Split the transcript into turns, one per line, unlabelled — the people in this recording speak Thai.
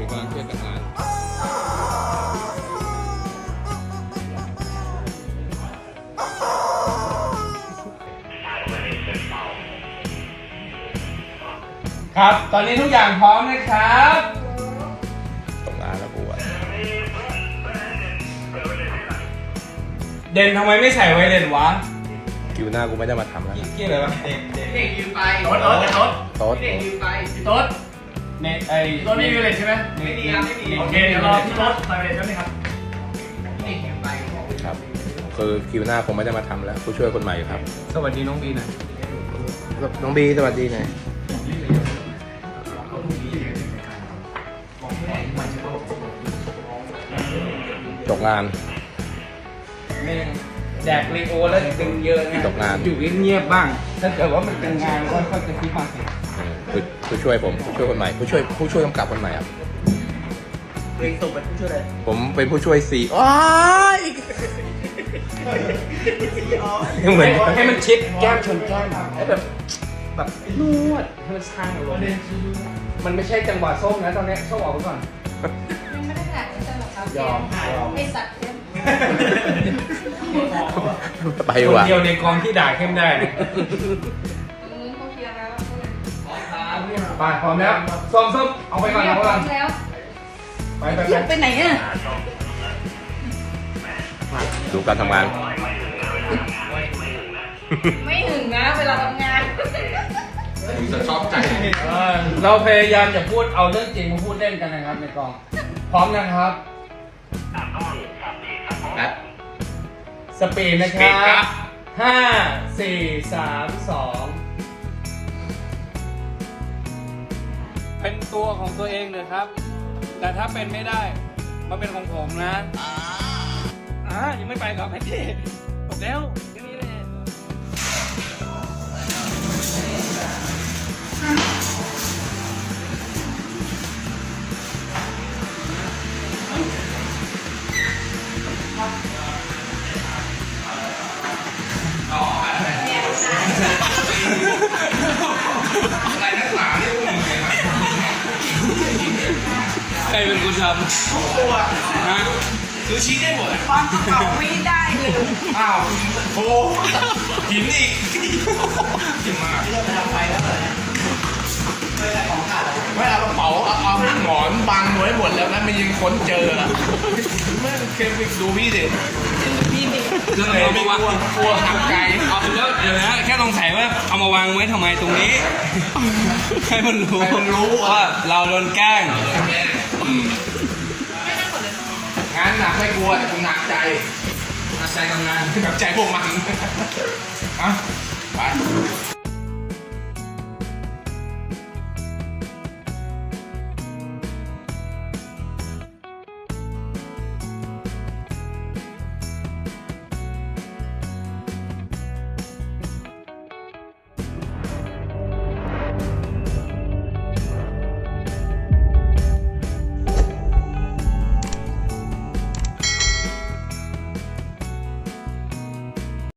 กำลังช่วยกันงานครับตอนนี้ทุกอย่างพร้อมนะครับตกงานแล้วกูอะเด่นทำไมไม่ใส่ไวเลนวะคิวหน้ากูไม่ได้มาทำแล้วเกี่ยอะไรวะเด็กยืมไปโต๊ดเด็กยืมไปโต๊ดเนี่ยไอ้โต๊ดนี่มีเลนใช่ไหมไม่มีครับไม่มีโอเคเดี๋ยวรอพี่โต๊ดใส่เลนใช่ไหมครับเด็กยืมไปครับคือคิวหน้าคงไม่ได้มาทำแล้วผู้ช่วยคนใหม่ครับสวัสดีน้องบีนะน้องบีสวัสดีหน่อยตกงานแดกลีโอแล้วดึงเยอะไงตกงานอยู่เงียบๆบ้างถ้าเกิดว่ามันเป็นงานก็ค่อยจะคิดมาสิผู้ช่วยผมผู้ช่วยคนใหม่ผู้ช่วยกำกับคนใหม่ครับเองตกเป็นผู้ช่วยอะไรผมเป็นผู้ช่วยซีอ๋อเหมือนให้มันชิดแก้มชนแก้มให้แบบนวดให้มันช่างลงมันไม่ใช่จังหวะส้มนะตอนนี้ส้มออกไปก่อน
ยังไม่ได้แหละไม่ใช่หรอกครับ
ยอม
ไอสัตว์เข้ม
ไปว่ะคนเดียวในกองที่ด่าเข้มได้
เขาเคลียร์แล้ว
ไปพร้อมแล้วส้มเอาไปก่อนเอาไปก่อน
แล้ว
ไป
ไหนอ่ะ
ดูการทำงาน
ไม่ถึงนะเวลาทำงาน
จะชอบใจเราพยายามจะพูดเอาเรื่องจริงมาพูดเล่นกันนะครับในกองพร้อมนะครับสปีดนะครับ5 4 3 2เป็นตัวของตัวเองเลยครับแต่ถ้าเป็นไม่ได้มาเป็นของผมนะยังไม่ไปกับแพ็กเกจหมดแล้วแค่นี้เลยอะไรนักหนาเนี่ยพวกมึงใครเป็นคนทำตัวฮะซูชิได้หมด
ความกระเป๋าไม่ได้เลย
อ้าวโอ้หินอีกหินมากไม่ทำไปแล้วเลยไม่เอากระเป๋าเอาหมอนบังไว้หมดแล้วนะมันยังค้นเจอไม่เคยไปดูพี่ดิ
พี่ดิ
เรื่องอะไรไม่กลัวทำใจเอาแล้วเดี๋ยวนะแค่สงสัยว่าเอามาวางไว้ทำไมตรงนี้ให้มันรู้ว่าเราโดนแกล้งงานหนักไม่กลัวแต่กูหนักใจทำงานหนักใจพวกมันไป